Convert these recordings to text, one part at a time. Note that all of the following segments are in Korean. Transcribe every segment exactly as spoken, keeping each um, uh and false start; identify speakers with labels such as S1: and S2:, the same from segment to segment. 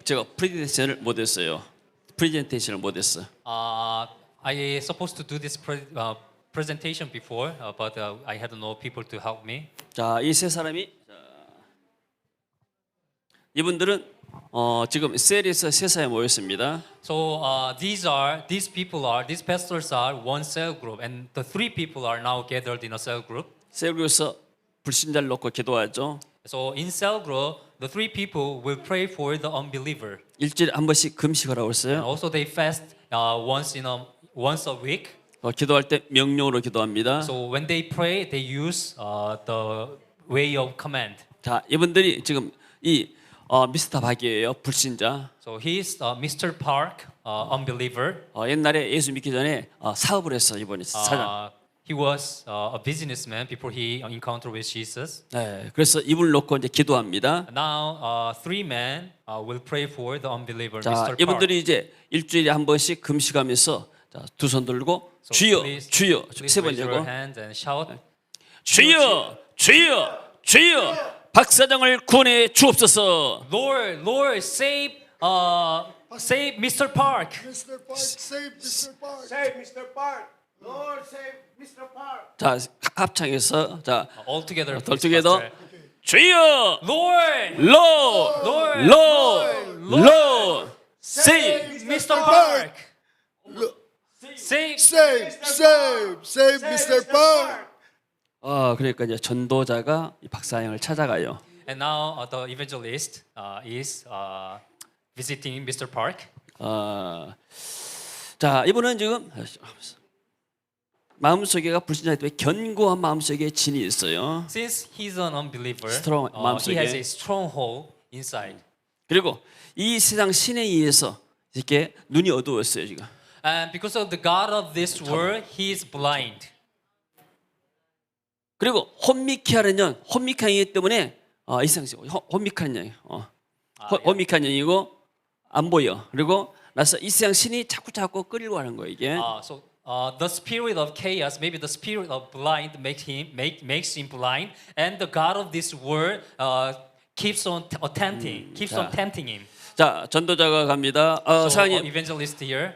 S1: 제가 프레젠테이션을 못했어요. 프레젠테이션을 못했어.
S2: Uh, I supposed to do this pre- uh, presentation before, uh, but uh, I had no people to help me.
S1: 자, 이 세 사람이 자, 이분들은 어, 지금 셀에서 세사에 모였습니다.
S2: So uh, these are these people are these pastors are one cell group, and the three people are now gathered in a cell group.
S1: 셀에서 불신자를 놓고 기도하죠.
S2: So in cell group, the three people will pray for the unbeliever,
S1: 일주일에 한 번씩 금식을 하고
S2: and
S1: 있어요.
S2: also they fast uh, once in a once a week.
S1: 어, 기도할 때 명령으로 기도합니다.
S2: So when they pray, they use uh, the way of command.
S1: 자, 이분들이 지금 이 어, 미스터 박이에요. 불신자.
S2: So he's uh, Mister Park, uh, unbeliever.
S1: 어, 옛날에 예수 믿기 전에 어, 사업을 했어 이번에 사장.
S2: Uh, he was uh, a businessman before he encountered with Jesus.
S1: 네, 그래서 이분을 놓고 이제 기도합니다.
S2: Now, uh, three men uh, will pray for the unbeliever,
S1: 자,
S2: Mister Park.
S1: 이분들이 이제 일주일에 한 번씩 금식하면서 두 손 들고
S2: So
S1: 주여,
S2: please,
S1: 주여
S2: please
S1: 세
S2: raise your
S1: 번째고
S2: hands and shout.
S1: 주여, 주여, 주여, 박 사장을 구원해 주옵소서.
S2: Lord, Lord, save, uh, save Mister Park.
S3: Mister Park, save Mister Park.
S4: Save Mister Park. Lord, save Mister Park.
S1: 자, 합창해서 자,
S2: All together.
S1: all
S2: please,
S1: together.
S2: Pastor.
S1: 주여,
S2: Lord,
S1: Lord,
S2: Lord,
S1: Lord, Lord, save.
S2: Mister Park. Save.
S3: Save, save, save Mister Park.
S1: 어, 그러니까 이제 전도자가 이 박사장을 찾아가요.
S2: And now uh, the evangelist uh, is uh, visiting Mister Park.
S1: 어, 자, 이분은 지금 마음속에가 불신자이기 때문에 견고한 마음속에 진이 있어요.
S2: Since he's an unbeliever,
S1: Strong,
S2: uh, he
S1: 마음속에.
S2: has a stronghold inside.
S1: 그리고 이 세상 신에 의해서 이렇게 눈이 어두웠어요 지금.
S2: And because of the God of this world, he is blind.
S1: 그리고 혼미케하는 년, 혼미케한 년 때문에 어, 이 세상 혼미케한 년, 어, 호- 혼미케한 년이고 안 보여. 그리고 나서 이 세상 신이 자꾸 자꾸 끌고 가는 거예요 이게.
S2: Uh, so uh, the spirit of chaos, maybe the spirit of blind, makes him make makes him blind, and the God of this world uh, keeps on t- uh, tempting, keeps on
S1: 자.
S2: tempting him.
S1: 자, 전도자가 갑니다. 어,
S2: So, uh,
S1: 사장님
S2: evangelist here.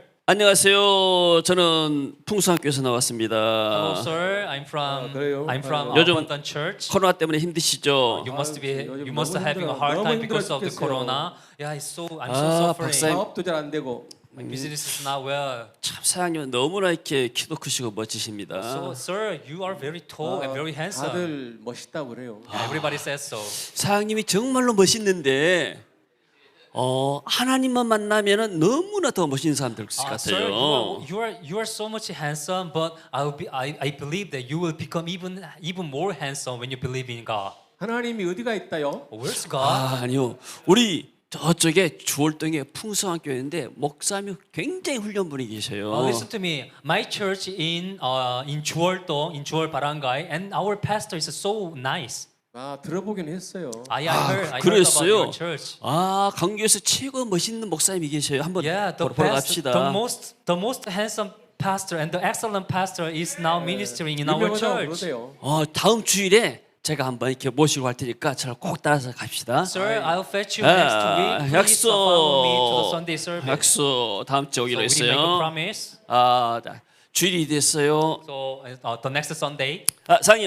S1: 안녕하세요. 저는 풍수학교에서 나왔습니다.
S2: Hello, sir. I'm from
S4: 그래요?
S2: I'm from
S1: 아. 요즘
S2: Abundant Church.
S1: 코로나 때문에 힘드시죠?
S2: You must be
S4: 요즘
S2: you must
S4: 너무
S2: having a
S4: 힘들어.
S2: hard
S4: 너무
S2: time
S4: 힘들어
S2: because of the
S4: 죽겠어요.
S2: corona. Yeah, it's so I'm
S1: 아,
S2: so suffering.
S1: 박사님.
S4: 사업도 잘 안 되고.
S2: My business is not well.
S1: 참 사장님 너무나 이렇게 키도 크시고 멋지십니다.
S2: So, sir, you are very tall and very handsome.
S4: 다들 멋있다고 그래요.
S2: Yeah, everybody says so.
S1: 사장님이 정말로 멋있는데 어, 하나님만 만나면은 너무나 더 멋있는 사람들
S2: Uh,
S1: 같아요.
S2: sir, you are, you are you are so much handsome, but I'll be I, I believe that you will become even even more handsome when you believe in God.
S4: 하나님이 어디가 있다요?
S2: Where's God?
S1: 아, 아니요. 우리 저쪽에 주월동에 풍성한 교회인데 목사님이 굉장히 훌륭한 분이 계셔요.
S2: Uh, listen to me. My church in uh, in Juoldo, in Juol Barangay, and our pastor is so nice.
S4: 아 들어보긴 했어요.
S2: I, I heard I heard about
S1: 그랬어요.
S2: your church.
S1: 아, 강교에서 최고 멋있는 목사님이 계셔요. 한번
S2: Yeah, the
S1: 보러, 보러
S2: best,
S1: 갑시다.
S2: the most the most handsome pastor and the excellent pastor is now ministering in our
S4: 유명하다고
S2: church.
S4: 그러세요.
S1: 어, 다음 주일에 제가 한번 이렇게 모시고 갈 테니까 저를 꼭 따라서 갑시다.
S2: Sir, I'll fetch you
S1: 아,
S2: next week. Please uh, follow me to the Sunday service.
S1: 약속 다음 주
S2: So
S1: 오기로
S2: we make a
S1: 했어요.
S2: promise.
S1: 아, 자, 주일이 됐어요.
S2: So uh, the next Sunday.
S1: 아, 사장님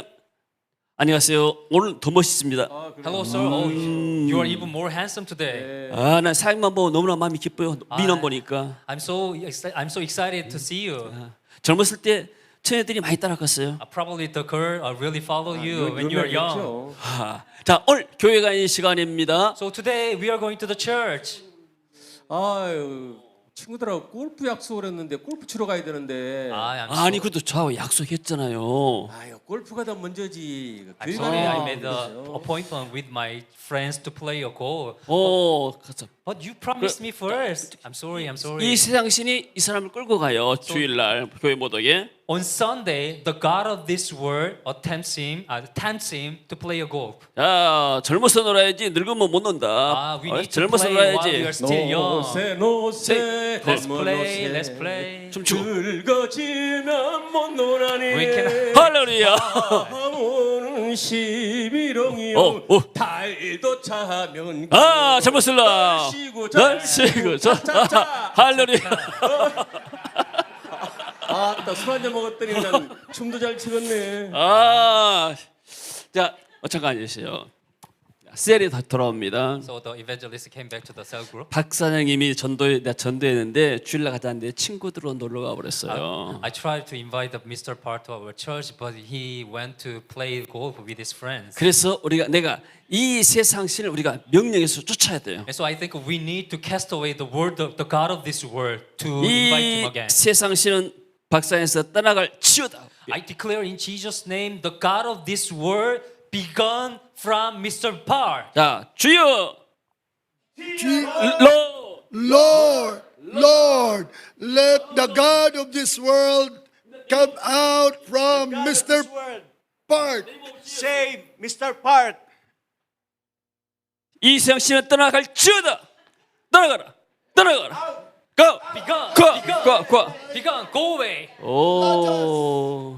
S1: 안녕하세요. 오늘 더 멋있습니다.
S4: 아, 그래요?
S2: Hello, sir. Oh, you are even more handsome today.
S1: 아, 난 사장님만 보고 너무나 마음이 기뻐요. 민원 보니까.
S2: I'm so exci- I'm so excited to see you.
S1: 젊었을 때 처녀들이 많이 따라갔어요.
S2: Uh, probably the girl uh, really follow you
S4: 요-
S2: when you are young.
S4: 유명했죠.
S1: 아, 자, 오늘 교회 가는 시간입니다.
S2: So today we are going to the church.
S4: 아유 친구들하고 골프 약속을 했는데 골프 치러 가야 되는데.
S2: I am
S1: 아니,
S2: so,
S1: 그래도 저하고 약속했잖아요.
S4: 아유 골프가 더 먼저지.
S2: I'm
S4: 교회
S2: sorry
S4: 가는
S2: I
S4: 거
S2: made the
S4: 그러세요.
S2: appointment with my friends to play a golf.
S1: 오, 가서.
S2: But you promised me first. I'm sorry. I'm sorry.
S1: 이 세상 신이 이 사람을 끌고 가요. 주일날 교회 못 오게.
S2: On Sunday, the God of this world attempts him, uh, tempts him to play a golf.
S1: 자, 젊어서 놀아야지 늙으면 못 논다.
S2: Ah, we
S1: 어,
S2: need to
S1: 젊어서
S2: play while we
S1: 놀아야지.
S2: are still young.
S4: 노세 노세
S2: Let's
S4: 젊은
S2: play.
S4: 노세.
S2: Let's play.
S1: 춤추고.
S4: 늙어지면 못 노라니.
S2: We can.
S1: 할렐루야.
S4: 아무는 십일홍이요
S1: 어, 어.
S4: 달도 차면
S1: 아 잘못 쓸라.
S4: 날씨고
S1: 날씨고 저
S4: 차차차.
S1: 할렐루야.
S4: 아따 술 한잔 먹었더니 그냥 춤도 잘 추겠네.
S1: 아, 자 어, 잠깐 계세요. 셀이 다 돌아옵니다.
S2: So the evangelist came back to the cell group.
S1: 박 사장님이 전도에 내가 전도했는데 주일날 가자는데 친구들로 놀러 가 버렸어요.
S2: I tried to invite the Mister Park to our church, but he went to play golf with his friends.
S1: 그래서 우리가 내가 이 세상 신을 우리가 명령해서 쫓아야 돼요.
S2: And so I think we need to cast away the word of the God of this world to invite him
S1: 이
S2: again.
S1: 세상 신은 박사에서 떠나갈 치유다.
S2: I declare in Jesus' name, the God of this world be gone from Mister Park.
S1: 자, 주여,
S3: Je-
S1: 로,
S3: Lord, Lord, let the God of this world come out from Mister Park.
S5: Save Mister Park.
S1: 이 세상 신은 떠나갈 치유다. 떠나가라, 떠나가라. Go,
S2: Be gone,
S1: go,
S2: be gone,
S1: go, go.
S2: be gone, go away.
S1: 오.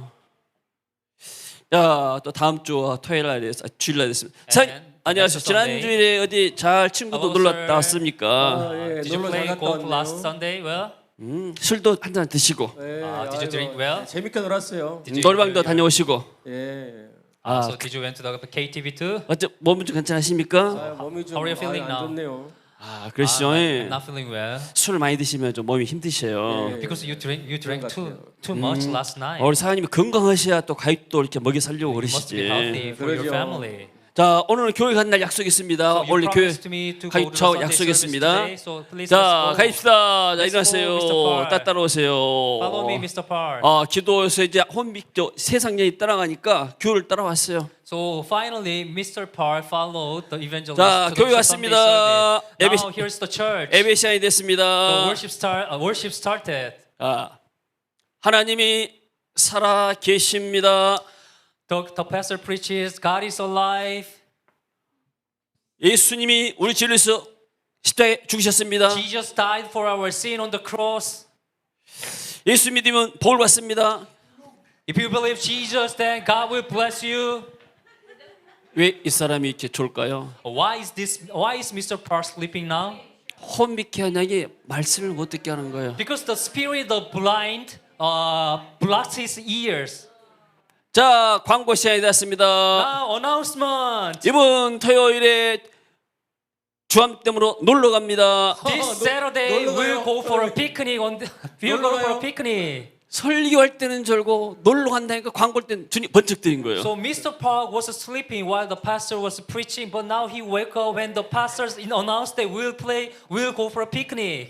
S1: 야, 또 다음 주 토요일 날에 아, 주일 날 됐습니다. 사,
S2: And
S1: 안녕하세요.
S2: next
S1: 지난
S2: Sunday.
S1: 주일에 어디 잘 친구도
S2: Hello,
S1: 놀러
S2: sir.
S1: 갔다 왔습니까?
S4: 아, 예,
S2: Did you
S4: 놀러 잘
S2: play
S4: 갔다
S2: golf
S4: 왔네요.
S2: last Sunday? Well,
S1: 음, 술도 한 잔 드시고
S4: 예,
S2: 아, did you
S4: 아이고,
S2: drink well?
S4: 재밌게 놀았어요.
S2: Did you
S1: 노래방도
S2: enjoy your-
S1: 다녀오시고.
S4: 예.
S1: 아,
S2: So did you went to the K T V too?
S1: 어째 몸은 좀 괜찮으십니까?
S4: 아, 몸이 좀
S2: How are you feeling
S4: 아,
S2: now?
S4: 안 좋네요.
S1: 아, 그러시죠.
S2: I'm not feeling well
S1: 술 많이 드시면 좀 몸이 힘드셔요.
S4: 예.
S2: because you drink you drank
S4: 그런 것
S2: too
S4: 같아요.
S2: too much last night.
S1: 어, 우리 사장님이 건강하셔야 또 가입도 이렇게 먹여 살려고
S2: You must be
S1: 그러시지.
S2: healthy for your
S4: 그러죠.
S2: family.
S1: 자, 오늘은 교회 가는 날 약속이 있습니다.
S2: So you
S1: 원래 교회
S2: promised me to go to the
S1: 가입차고
S2: Sunday service
S1: 약속했습니다.
S2: today, so please
S1: 자,
S2: let's go.
S1: 가입시다. 자,
S2: Let's go,
S1: 일어나세요.
S2: Mister Park.
S1: 따 따라오세요.
S2: Follow me, Mister Park.
S1: 아, 기도에서 이제 혼빅 저 세상 년이 따라가니까 교회를 따라왔어요.
S2: So finally, Mister Park followed the evangelist
S1: 자,
S2: to
S1: 교회
S2: the Sunday
S1: 왔습니다.
S2: service.
S1: 예배-
S2: Now here's the church.
S1: 예배 시간이
S2: The
S1: 됐습니다.
S2: worship start. Uh, worship started.
S1: 아, 하나님이 살아 계십니다.
S2: The, the pastor preaches, God is alive.
S1: 예수님이 우리 죄를 위해서 십자가에 죽으셨습니다.
S2: Jesus died for our sin on the cross.
S1: 예수 믿으면 복을 받습니다.
S2: If you believe Jesus, then God will bless you.
S1: 왜 이 사람이 이렇게 좋을까요?
S2: Why is this? Why is Mister Park sleeping now?
S1: 혼미케 한양이 말씀을 못 듣게 하는 거예요.
S2: Because the spirit of blind uh, blocks his ears.
S1: 자, 광고 시간이 됐습니다.
S2: Now announcement.
S1: 이번 토요일에 주암댐으로 놀러 갑니다.
S2: This
S4: 노-
S2: Saturday
S4: 놀러
S2: we'll
S4: 가요.
S2: go for a picnic on the, we'll
S4: 놀러
S2: go for
S4: 가요.
S2: a picnic.
S1: 설교할 때는 절고 놀러 간다니까 광고할 때는 주님 번쩍 드린 거예요.
S2: So Mister Park was sleeping while the pastor was preaching, but now he wake up when the pastors announced that we'll play, we'll go for a picnic.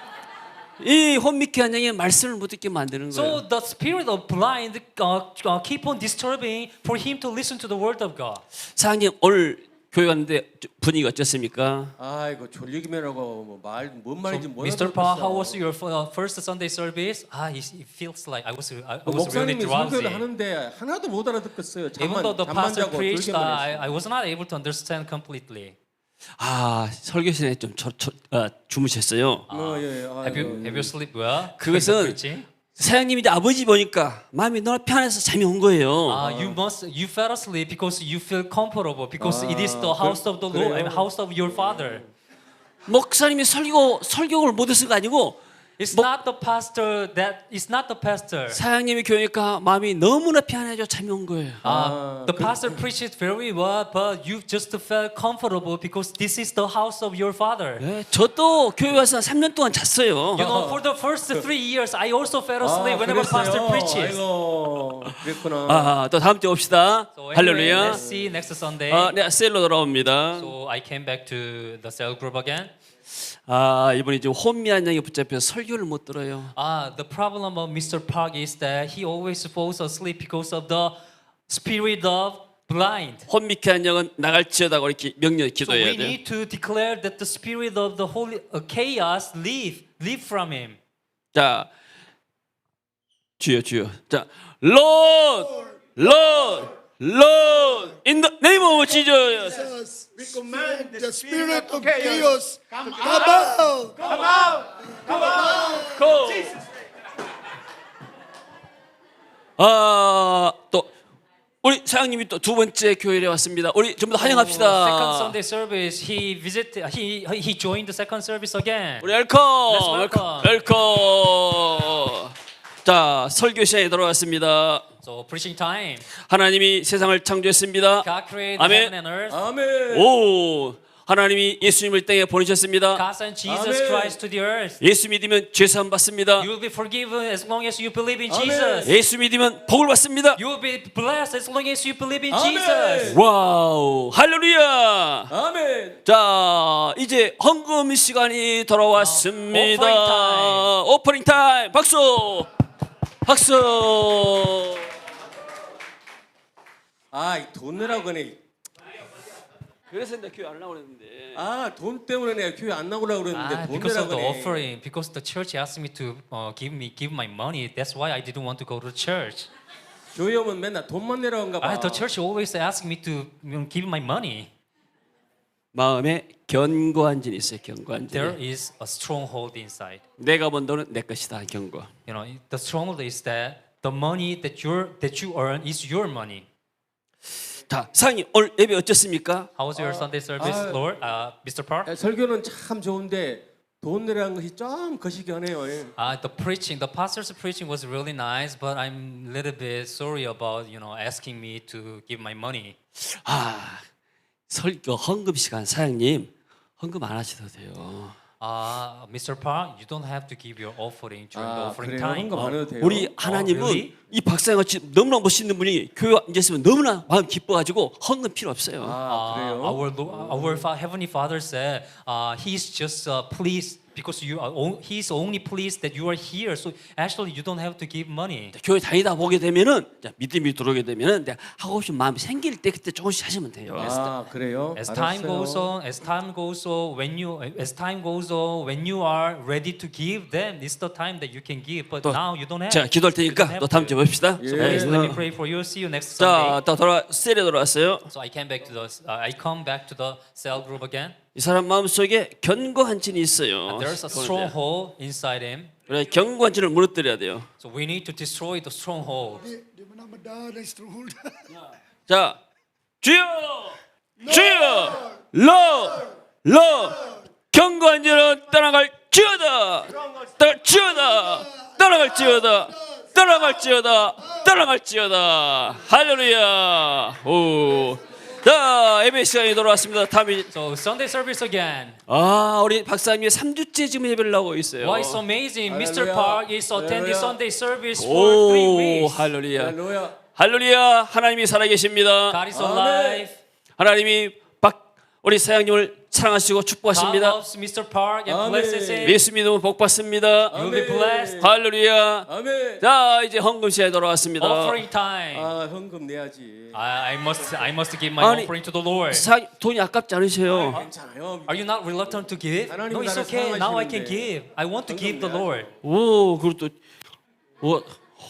S1: 이 혼미케 한양이 말씀을 못 듣게 만드는
S2: So
S1: 거예요.
S2: the spirit of blind uh, uh, keep on disturbing for him to listen to the word of God.
S1: 사장님 오늘 교회 갔는데 분위기가 어땠습니까?
S4: 아이고 졸리기만 하고 뭐말뭔 말인지 못
S2: Mister Park, how was your uh, first Sunday service? Ah, it it feels like I was I was really
S4: 목사님이
S2: drowsy.
S4: 설교를 하는데 하나도 못 알아듣겠어요.
S2: Even
S4: 잠만
S2: though the
S4: 잠만
S2: pastor
S4: 자고
S2: preached,
S4: 졸기만
S2: I,
S4: 했어요.
S2: I was not able to understand completely.
S1: 아 설교 시간에 좀 저, 저, 아, 주무셨어요.
S4: 어, 예, 예.
S2: Have you have you sleep well?
S1: 그것은 사장님이 이제 아버지 보니까 마음이 너무 편해서 잠이 온 거예요.
S2: Uh, you must you fell asleep because you feel comfortable because it is the house of the Lord and house of your father.
S1: 목사님이 설교 설교를 못해서 가 아니고
S2: It's
S1: 뭐-
S2: not the pastor that it's not the pastor.
S1: 사장님이 교회니까 마음이 너무나 편해져 잠이 온 거예요.
S2: Uh, the pastor preaches very well, but you just felt comfortable because this is the house of your father.
S1: 네, 저도 교회 와서 삼 년 동안 잤어요.
S2: You know, for the first three years, I also fell
S4: 아,
S2: asleep whenever pastor
S4: 그랬어요?
S2: preaches.
S4: 아이고 그랬구나.
S1: 아, 또 다음 주에 옵시다.
S2: So anyway,
S1: 할렐루야.
S2: let's see next Sunday.
S1: 아, 네, 셀로 돌아옵니다.
S2: So I came back to the cell group again.
S1: 아, 이분이 지금 혼미한 양에 붙잡혀서 설교를 못 들어요.
S2: Ah, the problem of Mister Park is that he always falls asleep because of the spirit of blind.
S1: 혼미케 양은 나갈지어다고 이렇게 명령
S2: So
S1: 기도해야
S2: we
S1: 돼요.
S2: need to declare that the spirit of the holy uh, chaos leave, leave from him.
S1: 자, 주여 주여. 자, Lord, Lord, Lord, in the name of Jesus.
S3: Jesus, we command the spirit of chaos come out.
S1: Go. 아, 또 우리 사 사장님이 또 두 번째 교회에 왔습니다. 우리 전부 다
S2: Second
S1: 환영합시다.
S2: Sunday service, he visited. He he joined the second service again.
S1: 우리 웰컴,
S2: Let's
S1: 웰컴,
S2: welcome.
S1: 웰컴. 자, 설교 시간에 돌아왔습니다.
S2: So preaching time.
S1: 하나님이 세상을 창조했습니다.
S2: God created
S1: 아멘.
S2: heaven and earth.
S4: 아멘.
S1: 오, 하나님이 예수님을 땅에 보내셨습니다.
S2: God sent Jesus
S4: 아멘.
S2: Christ to the earth.
S1: 예수 믿으면 죄 사함 받습니다.
S2: You will be forgiven as long as you believe in
S4: 아멘.
S2: Jesus.
S1: 예수 믿으면 복을 받습니다.
S2: You will be blessed as long as you believe in
S4: 아멘.
S2: Jesus.
S1: 와우, 할렐루야.
S4: 아멘.
S1: 자, 이제 헌금 시간이 돌아왔습니다.
S2: 오프닝 타임.
S1: 오프닝 타임. 박수. 박수.
S4: 아, 돈 내라고 그러네.
S1: 그래서 내가 교회 안 나오려 했는데.
S4: 아, 돈 때문에 내가 교회 안 나오려고 그랬는데
S2: Ah,
S4: 돈
S2: because
S4: 내라고
S2: of the
S4: 그러네.
S2: offering, because the church asked me to uh, give me give my money. That's why I didn't want to go to church.
S4: 교회 오면 맨날 돈만 내라고 한가 봐.
S2: Ah, the church always asked me to you know, give my money.
S1: 마음에 견고한 진이 있어요. 견고한
S2: There
S1: 진.
S2: is a stronghold inside.
S1: 내가 번 돈은 내 것이다. 견고.
S2: You know, the stronghold is that the money that you that you earn is your money.
S1: 자, 사장님 오늘 예배 어땠습니까?
S2: How was your Sunday service,
S4: 아,
S2: Lord, uh, Mister Park?
S4: 야, 설교는 참 좋은데 돈 내라는 것이 좀 거시기하네요.
S2: Uh, the preaching, the pastor's preaching was really nice, but I'm a little bit sorry about you know asking me to give my money.
S1: 아, 설교 헌금 시간 사장님 헌금 안 하셔도 돼요.
S2: Uh, Mister Park, you don't have to give your offering during the
S4: 아,
S2: offering
S4: 그래요?
S2: time.
S4: 헌금 안 해도 돼요?
S1: 우리 하나님은
S2: really?
S1: 이 박사님 같이 너무나 멋있는 분이 교회 앉았으면 너무나 마음 기뻐가지고 헌금 필요 없어요.
S4: 아,
S2: Uh,
S4: 그래요?
S2: our Lo- our fa- heavenly Father said, uh, He's just uh, pleased because you are. O- he's only pleased that you are here. So actually, you don't have to give money.
S1: 교회 다니다 보게 되면은 자, 믿음이 들어오게 되면은 내가 하고 싶은 마음이 생길 때 그때 조금씩 하시면 돼요.
S4: 아, 그래요?
S2: As time
S4: 알았어요.
S2: goes on, as time goes on, when you as time goes on, when you are ready to give, then it's the time that you can give. But
S1: 또
S2: now you don't have.
S1: 제가 기도할
S2: You don't
S1: 테니까
S2: have
S1: 또 다음
S2: to.
S1: 주에 봅시다.
S4: 예.
S2: So please let me pray for you. See you next
S1: 자,
S2: Sunday.
S1: 또 돌아 셀에 돌아왔어요.
S2: So I came back to the. Uh, I come back to the cell group again.
S1: 이 사람 마음 속에 견고한 진이 있어요.
S2: There's a stronghold inside him.
S1: 그래 견고한 진을 무너뜨려야 돼요.
S2: So we need to destroy the stronghold.
S3: Di, di mo na madala stronghold.
S1: 자, 주여, 주여, 러, 러, 견고한 진은 떠나갈지어다, 떠나갈지어다, 떠나갈지어다, 떠나갈지어다, 떠나갈지어다. 할렐루야. 오. 자, 예배 시간이 돌아왔습니다. 다음이
S2: So Sunday service again.
S1: 아, 우리 박사님이 삼 주째 지금 예배를 하고 있어요.
S2: Why it's amazing? Mister
S4: Hallelujah.
S2: Park is attending
S4: Hallelujah.
S2: Sunday service for three
S1: 오,
S2: weeks.
S1: 할렐루야.
S4: 할렐루야.
S1: 할렐루야. 하나님이 살아계십니다.
S2: God is
S4: 아멘.
S2: alive.
S1: 하나님이 박 우리 사장님을 사랑하시고
S2: God
S1: 축복하십니다.
S2: loves Mister Park and
S4: 아멘.
S2: blesses him.
S1: 예수 믿으면 복 받습니다.
S2: You will be blessed.
S1: 할렐루야.
S4: 아멘.
S1: 자, 이제 헌금 시간에 돌아왔습니다.
S2: Offering time.
S4: 아, 헌금 내야지.
S2: I, I must I must give my
S1: 아니,
S2: offering to the Lord.
S1: 사, 돈이 아깝지 않으세요?
S4: 괜찮아요.
S2: Are you not reluctant to give?
S4: 하나님이
S2: No, it's
S4: 나를
S2: okay. Now I can
S4: 사랑하시는데.
S2: give. I want to give the Lord.
S1: 오, 그리고 또 오,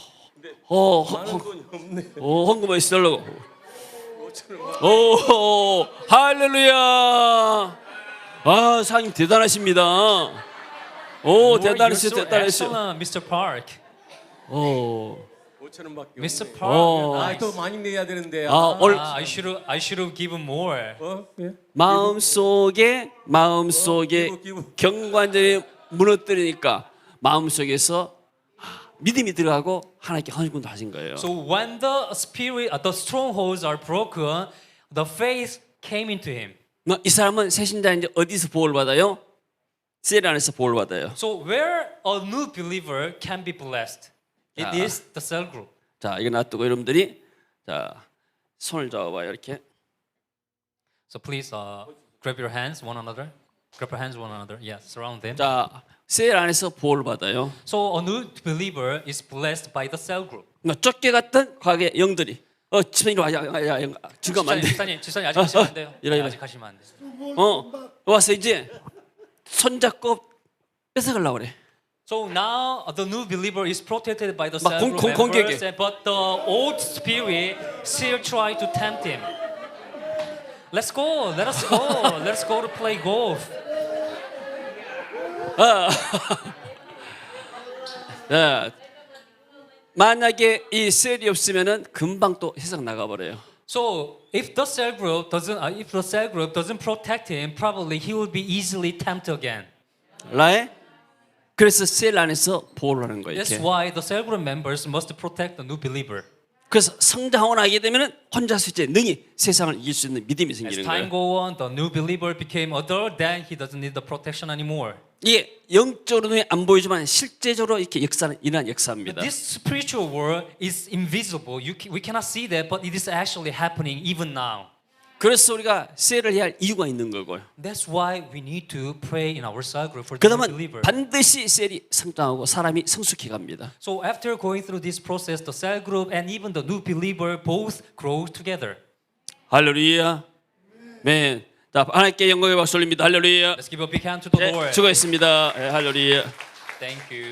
S1: 어, 헌-
S4: 많은 돈이 없네.
S1: 오, 헌금을 쓰려고. 오, 할렐루야. 아, 사장님 대단하십니다. 오,
S2: Lord, you're
S1: 대단하시죠,
S2: so
S1: 대단하시죠.
S2: excellent, Mister Park.
S1: 오,
S4: 오천 원밖에
S2: Mister
S4: 없네.
S2: Park,
S1: 어.
S2: you're
S4: 아,
S2: nice.
S4: 또 많이 내야 되는데.
S1: 아,
S4: 아,
S1: 오늘
S2: Ah, I should have I should have given more.
S4: 어? 예?
S1: 마음 속에 마음 속에
S4: 기부, 기부.
S1: 경관절이 무너뜨리니까 마음 속에서 믿음이 들어가고 하나님께 헌금도 하신 거예요.
S2: So when the spirit, uh, the strongholds are broken, the faith came into him.
S1: 뭐, 이 사람은 새신자인데 어디서 보호를 받아요? 셀 안에서 보호를 받아요.
S2: So where a new believer can be blessed, it
S1: 자.
S2: is the cell group.
S1: 자, 이거 놔두고 여러분들이 자 손을 잡아봐요 이렇게.
S2: So please uh, grab your hands one another. Grab your hands one another. Yes, surround them.
S1: 자, 셀 안에서 보호를 받아요.
S2: So a new believer is blessed by the cell group.
S1: 뭐 쫓겨갔던 과거의 영들이 어 집사님 이리 와, 야, 야, 야, 지금 안 돼.
S2: 지사님, 지사님 아직 가시면 안 돼요.
S1: 이리 와, 이리 와.
S2: 아직 가시면 안 돼요.
S1: 어 와서 이제 손 잡고 뺏어가려고 그래.
S2: So now uh, the new believer is protected by the
S1: 막
S2: cell
S1: 공-
S2: group
S1: 공-
S2: members,
S1: 공격해.
S2: and- but the old spirit still try to tempt him. Let's go. Let us go. Let's go to play golf.
S1: 네. 만약에 이 셀이 없으면은 금방 또 세상 나가버려요.
S2: So if the cell group doesn't, uh, if the cell group doesn't protect him, probably he will be easily tempted again.
S1: right? 그래서 셀 안에서 보호를 하는 거예요.
S2: That's
S1: 이렇게.
S2: why the cell group members must protect the new believer.
S1: 그래서 성장하고 나게 되면은 혼자서 이제 능히 세상을 이길 수 있는 믿음이
S2: As
S1: 생기는
S2: time
S1: 거예요.
S2: go on, the new believer became adult, then he doesn't need the protection anymore.
S1: 이게 영적으로 눈에 안 보이지만 실제적으로 이렇게 역사는 일어난 역사입니다.
S2: This spiritual world is invisible. You ca- we cannot see that, but it is actually happening even now.
S1: 그래서 우리가 셀을 해야 할 이유가 있는 거고요.
S2: That's why we need to pray in our cell group for the new
S1: 그다음은
S2: believer.
S1: 반드시 셀이 성장하고 사람이 성숙해 갑니다.
S2: So after going through this process, the cell group and even the new believer both grow together.
S1: 할렐루야. 네. 자, 하나님께 영광의 박수 올립니다. 할렐루야.
S2: Let's give a big hand to the
S1: 네,
S2: Lord.
S1: 수고했습니다. 네, 할렐루야.
S2: Thank you.